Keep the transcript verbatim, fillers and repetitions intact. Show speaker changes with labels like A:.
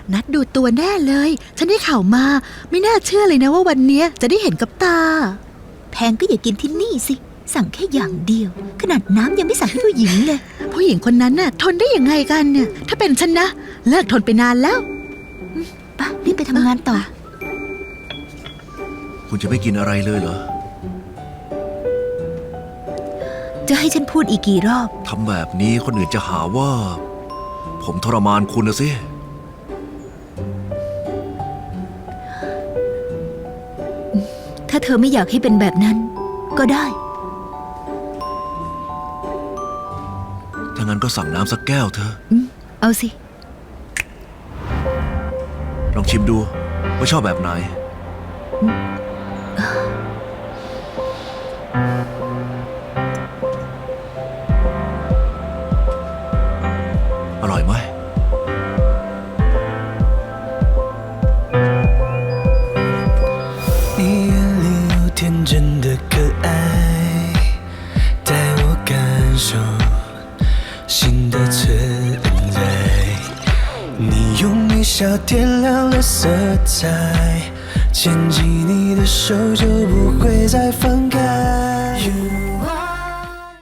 A: นัดดูตัวแน่เลยฉันได้ข่าวมาไม่น่าเชื่อเลยนะว่าวันนี้จะได้เห็นกับตา
B: แพงก็อย่ากินที่นี่สิสั่งแค่อย่างเดียวขนาดน้ำยังไม่สั่งให้ผู้หญิงเลย
A: ผู้หญิงคนนั้นน่ะทนได้ยังไงกันเนี่ยถ้าเป็นฉันนะเลิกทนไปนานแล้ว
B: ป่ะรีบไปทำงานต่อ
C: คุณจะไม่กินอะไรเลยเหรอ
B: จะให้ฉันพูดอีกกี่รอบ
C: ทำแบบนี้คนอื่นจะหาว่าผมทรมานคุณนะสิ
B: ถ้าเธอไม่อยากให้เป็นแบบนั้นก็ได้
C: ถ้างั้นก็สั่งน้ำสักแก้วเถอะ
B: เอาสิ
C: ลองชิมดูว่าชอบแบบไหนอร่อยไหม
D: 你眼里有天真的可爱，带我感受新的存在。你用微笑点亮了色彩，牵起你的手就不会再放开。